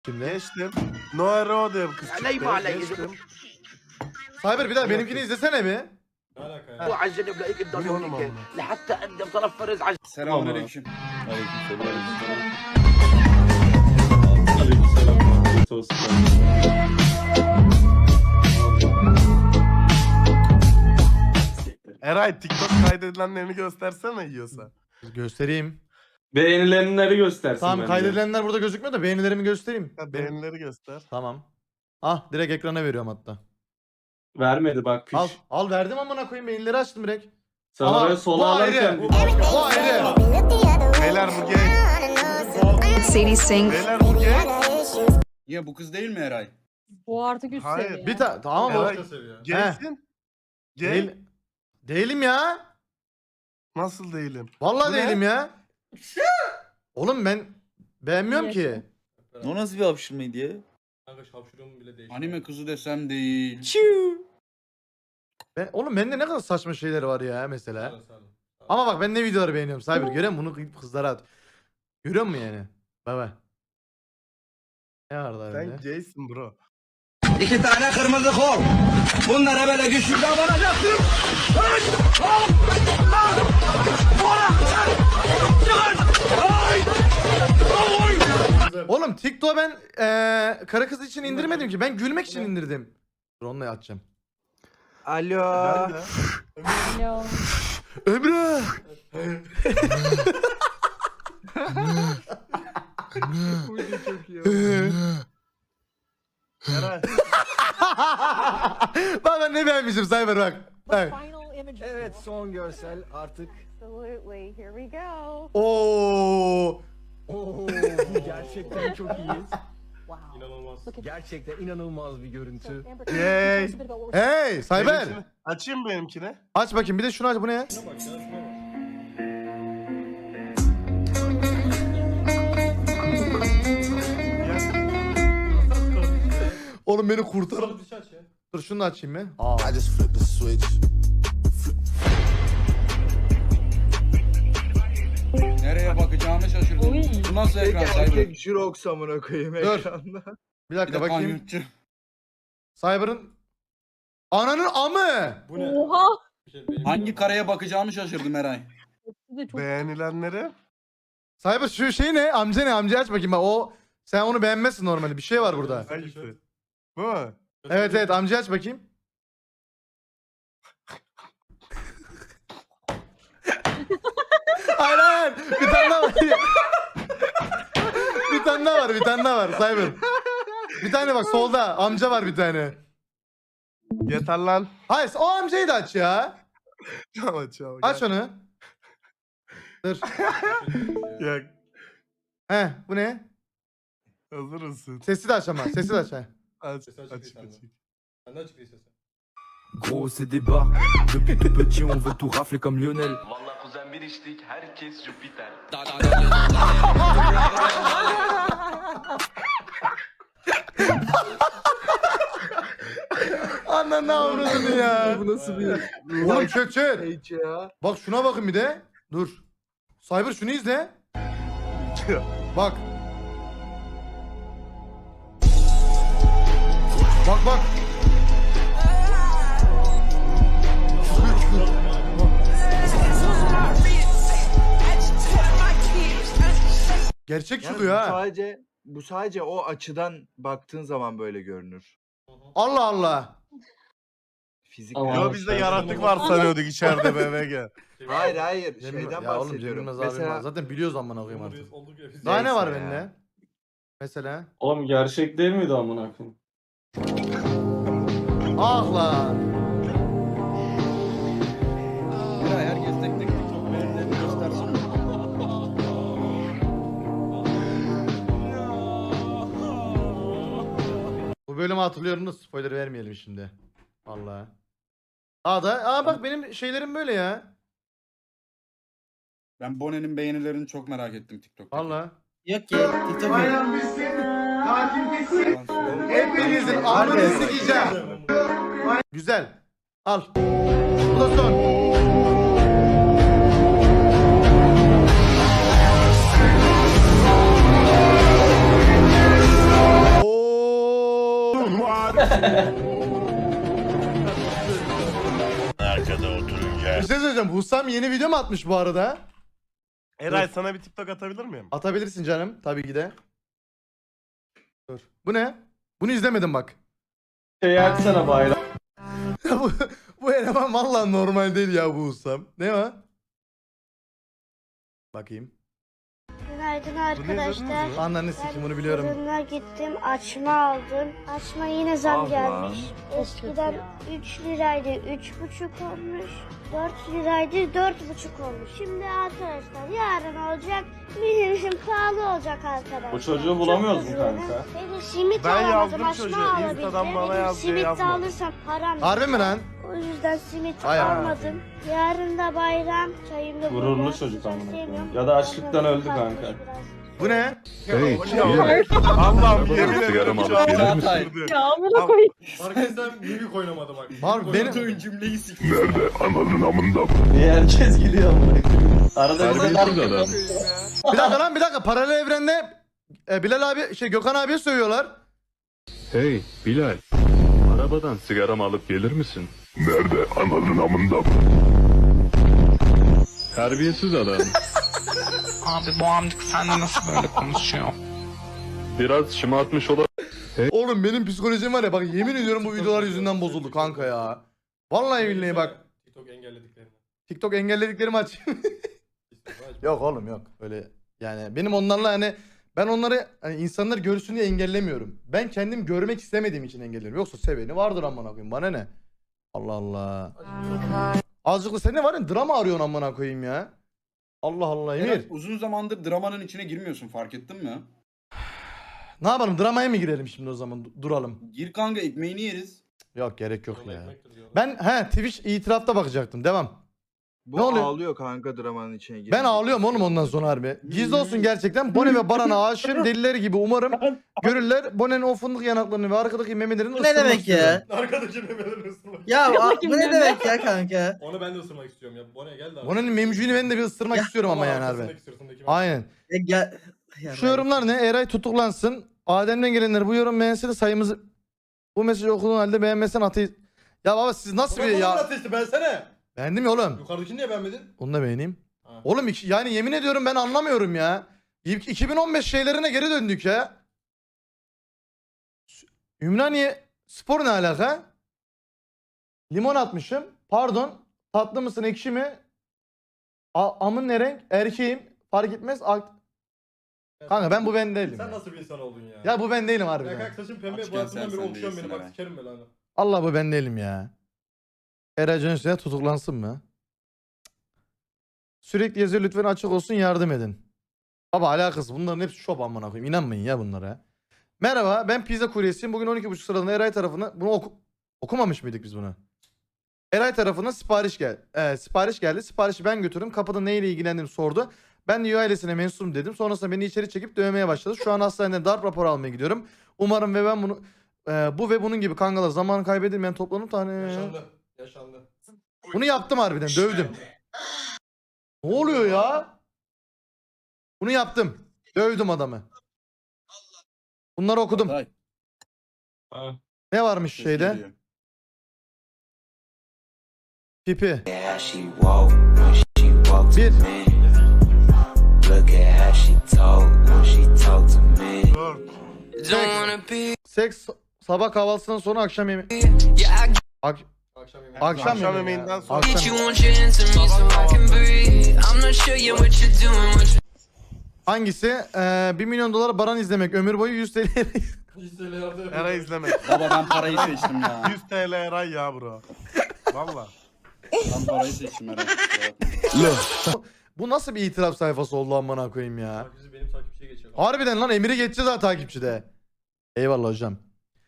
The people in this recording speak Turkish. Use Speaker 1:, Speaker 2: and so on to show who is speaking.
Speaker 1: Şimdi.
Speaker 2: Geçtim. Noah Rode kız çıktı.
Speaker 3: Aleyma aleyhi.
Speaker 2: Geçtim.
Speaker 1: Cyber bir daha benimkini izlesene bir.
Speaker 4: Ne alaka ya?
Speaker 3: وعجل بلاقيك تضل
Speaker 2: مليون
Speaker 3: هونيك
Speaker 2: والله.
Speaker 3: لحتى انت مطرف فرز على
Speaker 5: Selamünaleyküm.
Speaker 4: Aleykümselam. Afiyet olsun.
Speaker 2: Eray TikTok kaydedilenlerini göstersene yiyorsa.
Speaker 1: Göstereyim.
Speaker 4: Beğenilenleri göstersin
Speaker 1: Tamam
Speaker 4: bence.
Speaker 1: kaydedilenler burada gözükmüyor da beğenilerimi göstereyim.
Speaker 2: Ha, beğenileri göster.
Speaker 1: Tamam. Ah direkt ekrana veriyorum hatta.
Speaker 4: Vermedi bak piç.
Speaker 1: Al verdim amına koyayım beğenileri açtım direkt.
Speaker 4: Sana
Speaker 1: Ama
Speaker 4: böyle
Speaker 1: bu
Speaker 4: sola
Speaker 1: ayrı.
Speaker 4: alırken.
Speaker 1: Bu ayrı.
Speaker 2: Beyler bu gay.
Speaker 6: Sadie Sink.
Speaker 2: Beyler bu gay.
Speaker 5: Ya bu kız değil mi Eray?
Speaker 7: Bu artık üst
Speaker 2: Hayır,
Speaker 7: seviye.
Speaker 1: Bir tane tamam
Speaker 2: Eray,
Speaker 1: mı?
Speaker 2: Gaysin. Gay.
Speaker 1: Değil. Değilim ya.
Speaker 2: Nasıl değilim?
Speaker 1: Vallahi
Speaker 2: Bu ne?
Speaker 1: değilim ya. Oğlum ben beğenmiyorum ki.
Speaker 8: O nasıl bir hapşırmaydı ya?
Speaker 4: Kanka şapşurumu bile değişti.
Speaker 5: Anime kızı desem değil.
Speaker 1: Oğlum bende ne kadar saçma şeyler var ya mesela.
Speaker 4: Sağ ol.
Speaker 1: Ama bak ben ne videoları beğeniyorum. Cyber görüyor musun? Bunu kızlara at. Görüyor musun yani? Baba. Ne var daha
Speaker 2: Sen
Speaker 1: öyle?
Speaker 2: gaysin bro.
Speaker 3: İki tane kırmızı kol. Bunlara böyle güçlükle vuracaksın.
Speaker 1: Oğlum TikTok'u ben karı kız için indirmedim ki. Ben gülmek için indirdim. Dur onunla atacağım.
Speaker 3: Alo.
Speaker 2: Ben de.
Speaker 7: Alo.
Speaker 1: Emre.
Speaker 2: Eray.
Speaker 1: Bak ben ne beğenmişim Cyber bak. Bak.
Speaker 7: Final image.
Speaker 9: Evet, son görsel artık.
Speaker 7: Absolutely. Here we go.
Speaker 1: Oo.
Speaker 9: Oo, gerçekten çok iyi.
Speaker 7: Wow.
Speaker 4: İnanılmaz.
Speaker 7: Look at
Speaker 9: Gerçekten inanılmaz bir görüntü.
Speaker 7: Amber,
Speaker 2: Yay.
Speaker 7: tell us a bit about what we're
Speaker 1: Hey Cyber.
Speaker 2: Benimkini- Açayım benimkini.
Speaker 1: Aç bakayım bir de şunu aç bu ne ya?
Speaker 4: Şuna bak ya şuna bak.
Speaker 1: Oğlum beni kurtar.
Speaker 4: Sana bir şey aç ya.
Speaker 1: Dur şunu da açayım mı? Aa.
Speaker 5: Nereye bakacağımı şaşırdım.
Speaker 7: Oy.
Speaker 5: Bu nasıl ekran sahibi?
Speaker 9: Erkek Jirox amına koyayım
Speaker 1: Dur.
Speaker 9: ekranda.
Speaker 1: Bir
Speaker 5: Bir
Speaker 1: dakika
Speaker 5: de
Speaker 1: bakayım.
Speaker 5: kanyutçu.
Speaker 1: Cyber'ın ananın amı.
Speaker 4: Bu ne?
Speaker 7: Oha.
Speaker 4: Bir şey benim-
Speaker 5: Hangi kareye bakacağımı şaşırdım Eray.
Speaker 7: Siz de çok
Speaker 2: Beğenilenleri.
Speaker 1: Cyber şu şey ne? Amca ne? Amca aç bakayım bak o. Sen onu beğenmezsin normalde. Bir şey var burada.
Speaker 2: Hangisi? Bu mu?
Speaker 1: Evet evet amca aç bakayım. Hayır hayır. Bir tane daha var. Bir tane daha var. Bir tane daha var. Cyber. Bir tane bak solda. Amca var bir tane.
Speaker 2: Yeter lan.
Speaker 1: Hayır o amcayı da aç ya.
Speaker 2: Tamam çabuk.
Speaker 1: Aç onu. Dur.
Speaker 2: Ya
Speaker 1: He bu ne?
Speaker 2: hazır mısın?
Speaker 1: Sesi de aç ama. Sesi de aç. He.
Speaker 2: Aç
Speaker 4: Sesi açık
Speaker 2: aç
Speaker 4: değil sende.
Speaker 2: aç.
Speaker 4: Sen de açık değil sesi.
Speaker 10: Gros c'est débat, depuis tout petit on veut tout rafler comme Lionel.
Speaker 11: Valla kuzen bir içtik, herkes Jüpiter.
Speaker 1: Ananı avradını ya.
Speaker 9: Bu nasıl bir
Speaker 1: Oğlum çök çök.
Speaker 9: page ya?
Speaker 1: Bak şuna bakın bir de. Dur. Cyber şunu izle. Bak. Bak bak. Gerçek
Speaker 9: Yani
Speaker 1: çıkıyor ha.
Speaker 9: bu sadece o açıdan baktığın zaman böyle görünür.
Speaker 1: Allah Allah.
Speaker 9: Fizik.
Speaker 4: Ama-
Speaker 2: Yo bizde yaratık var sanıyorduk içeride BBG.
Speaker 9: Hayır hayır
Speaker 1: Cem-
Speaker 9: şeyden
Speaker 1: ya oğlum
Speaker 9: bahsediyorum.
Speaker 1: Cem Yılmaz abim var.
Speaker 9: Mesela
Speaker 1: Zaten biliyoruz amına koyayım artık.
Speaker 4: Olduk ya biz.
Speaker 1: Daha ne var
Speaker 9: Neyse ya.
Speaker 1: bende? Mesela.
Speaker 4: Oğlum gerçek değil miydi amına koyayım?
Speaker 1: Ah lan.
Speaker 5: Eray herkes tek tek TikTok beğenilerini göstersin.
Speaker 1: Bu bölümü hatırlıyorum da spoiler vermeyelim şimdi. Vallahi. Bak benim şeylerim böyle ya.
Speaker 5: Ben Bonnie'nin beğenilerini çok merak ettim TikTok'ta.
Speaker 1: Vallahi.
Speaker 8: Yok ki TikTok yok.
Speaker 1: Hepinizin amını sikeceğim. Güzel. Al. Bu da son. Bir şey söyleyeceğim. Husam yeni video mu atmış bu arada?
Speaker 2: Eray sana bir TikTok atabilir miyim?
Speaker 1: Atabilirsin canım. Tabii ki de. Dur. Bu ne? Bunu izlemedim bak.
Speaker 4: Şeyi açsana bayram.
Speaker 1: bu eleman vallahi normal değil ya bu Husam. Ne o? Bakayım.
Speaker 7: Günaydın
Speaker 2: arkadaşlar.
Speaker 1: Ananı sikim bunu biliyorum.
Speaker 7: Fırına gittim, açma aldım. Açma yine zam
Speaker 9: Allah.
Speaker 7: gelmiş. Eskiden 3 liraydı, 3,5 olmuş. 4 liraydı, 4,5 olmuş. Şimdi arkadaşlar yarın olacak, minimum pahalı olacak arkadaşlar.
Speaker 4: Bu çocuğu bulamıyoruz mu
Speaker 7: Çok
Speaker 4: kanka?
Speaker 7: üzüldüm. Beni simit
Speaker 2: Ben
Speaker 7: alamadım,
Speaker 2: yazdım
Speaker 7: açma
Speaker 2: çocuğa.
Speaker 7: alabildim.
Speaker 2: Insta'dan bana
Speaker 7: Dedim,
Speaker 2: yaz diye
Speaker 7: simit de
Speaker 2: yazmadım.
Speaker 7: alırsam param
Speaker 1: Harbi mi lan?
Speaker 7: O yüzden simit
Speaker 1: Ay amına
Speaker 7: almadım. Yarın da bayram, çayım da
Speaker 4: Gururlu
Speaker 7: burada.
Speaker 4: çocuk
Speaker 7: Sıcak
Speaker 4: amına
Speaker 7: sevmiyorum.
Speaker 4: koyayım. Ya da açlıktan öldü
Speaker 7: Kalkmış
Speaker 4: kanka.
Speaker 7: biraz.
Speaker 1: Bu ne?
Speaker 10: Hey,
Speaker 2: Allah'ım yemin ederim
Speaker 10: Sigaramı
Speaker 2: şu
Speaker 10: alıp
Speaker 2: an
Speaker 10: gelir
Speaker 2: beni
Speaker 10: misin?
Speaker 2: düşürdü.
Speaker 7: Ya amına koyayım.
Speaker 4: Farkındaysan mimik oynamadı bak.
Speaker 1: Var benim
Speaker 5: cümleyi sikiyor.
Speaker 4: Niye herkes gülüyor amına koyayım? Arada bir
Speaker 10: Terbiyesiz adam.
Speaker 1: bir dakika lan bir dakika paralel evrende Bilal abi Gökhan abiye sövüyorlar.
Speaker 10: Hey Bilal, arabadan sigaramı alıp gelir misin? Nerede? Ananın amında. Terbiyesiz adam.
Speaker 3: Abi bu amcık sende nasıl böyle konuşuyor?
Speaker 10: Biraz şımartmış
Speaker 1: Oğlum benim psikolojim var ya bak yemin ediyorum bu videolar yüzünden bozuldu kanka ya. Vallahi billahi bak.
Speaker 4: TikTok engellediklerini.
Speaker 1: TikTok engellediklerimi aç. Yok oğlum yok. Öyle yani benim onlarla hani ben onları hani insanlar görsün diye engellemiyorum. Ben kendim görmek istemediğim için engelliyorum. Yoksa seveni vardır amına koyayım. Bana ne? Allah Allah. Azıcık da sen ne var ya drama arıyorsun amına koyayım ya. Allah Allah Emir.
Speaker 5: Uzun zamandır dramanın içine girmiyorsun, fark ettin mi?
Speaker 1: Ne yapalım dramaya mı girelim şimdi o zaman duralım.
Speaker 5: Gir kanka, ekmeğini yeriz.
Speaker 1: Yok gerek yok
Speaker 4: Yol
Speaker 1: ya.
Speaker 4: ekmektir diyorlar.
Speaker 1: Ben Twitch itirafta bakacaktım. Devam.
Speaker 9: Bu
Speaker 1: Ne oluyor?
Speaker 9: ağlıyor kanka dramanın içine girince.
Speaker 1: Ben ağlıyorum oğlum ondan sonra harbi. Gizli olsun gerçekten. Bone ve Baran'a aşığım delileri gibi umarım görürler. Bone'nin o fındık yanaklarını ve arkadaki memelerini
Speaker 8: Bu ne demek ya?
Speaker 4: Arkadaki memelerini ısırmak.
Speaker 8: Ya bu ne demek ya kanka?
Speaker 4: Onu ben de ısırmak istiyorum ya. Bone'ye gel de abi.
Speaker 1: Bone'nin memcüğünü ben de bir ısırmak istiyorum ama yani harbi.
Speaker 4: arkasındaki sırtındaki
Speaker 1: Aynen.
Speaker 8: Gel. Ya
Speaker 1: Şu yorumlar ne? Eray tutuklansın. Adem'den gelenler bu yorum beğense sayımızı... Bu mesajı okuduğun halde beğenmesen ateist... Ya baba siz nasıl bir
Speaker 4: ya.
Speaker 1: ya...
Speaker 4: Ateşti bensene.
Speaker 1: Beğendim ya oğlum.
Speaker 4: Yukarıdakini niye beğenmedin?
Speaker 1: Onu da beğeneyim.
Speaker 4: Ha.
Speaker 1: Oğlum yani yemin ediyorum ben anlamıyorum ya. 2015 şeylerine geri döndük ya. Ümraniye spor ne alaka? Limon atmışım. Pardon. Tatlı mısın ekşi mi? Amın ne renk? Erkeğim. Fark etmez. Kanka ben bu ben değilim.
Speaker 4: Sen
Speaker 1: ya.
Speaker 4: nasıl bir insan oldun ya?
Speaker 1: Ya bu ben değilim
Speaker 4: Ya
Speaker 1: harbiden.
Speaker 4: kanka saçın pembe
Speaker 5: Açken
Speaker 4: bu arasından
Speaker 5: sen
Speaker 4: beri okşuyorsun
Speaker 5: değilsin
Speaker 4: beni bak
Speaker 5: Eray.
Speaker 4: sikerim ben lan.
Speaker 1: Allah bu ben değilim ya. Eray Cönüs'e tutuklansın mı? Sürekli yazıyor lütfen açık olsun yardım edin. Baba alakası bunların hepsi şop amına koyayım. İnanmayın ya bunlara. Merhaba ben pizza kuryesiyim. Bugün 12.30 sıralarında Eray tarafına bunu okumamış mıydık biz bunu? Eray tarafına sipariş geldi. Siparişi ben götürdüm. Kapıda neyle ilgilendiğimi sordu. Ben de üye ailesine mensubum dedim. Sonrasında beni içeri çekip dövmeye başladı. Şu an hastanede darp raporu almaya gidiyorum. Umarım ve ben bunu bu ve bunun gibi kangalar zaman kaybedilmeyen toplanıp tane.
Speaker 4: Yaşandı. Yaşandı.
Speaker 1: Bunu yaptım harbiden dövdüm. Ne oluyor ya? Bunu yaptım. Dövdüm adamı. Bunları okudum.
Speaker 5: Hatay,
Speaker 4: Ha.
Speaker 1: Ne varmış
Speaker 5: ses
Speaker 1: şeyde?
Speaker 5: geliyor.
Speaker 1: Pipi.
Speaker 2: Dur.
Speaker 1: Seks sabah kahvaltısından sonra akşam yemeği.
Speaker 4: Akşam yemeği.
Speaker 1: Akşam
Speaker 2: Akşam
Speaker 1: yemeği
Speaker 2: yemeğinden
Speaker 1: ya.
Speaker 2: sonra.
Speaker 1: Akşam. Hangisi? 1 milyon dolar Baran izlemek. Ömür boyu 100 TL.
Speaker 4: Hiç söyle yardım
Speaker 2: Eray izleme.
Speaker 5: Baba ben parayı seçtim ya.
Speaker 2: 100 TL Eray ya bro. Valla.
Speaker 5: Ben parayı seçtim herhalde.
Speaker 1: Bu nasıl bir itiraf sayfası oldu amına koyayım ya.
Speaker 4: Takipçi benim takipçiye geçiyor.
Speaker 1: Harbiden lan Emir'i geçeceğiz ha takipçide. Eyvallah hocam.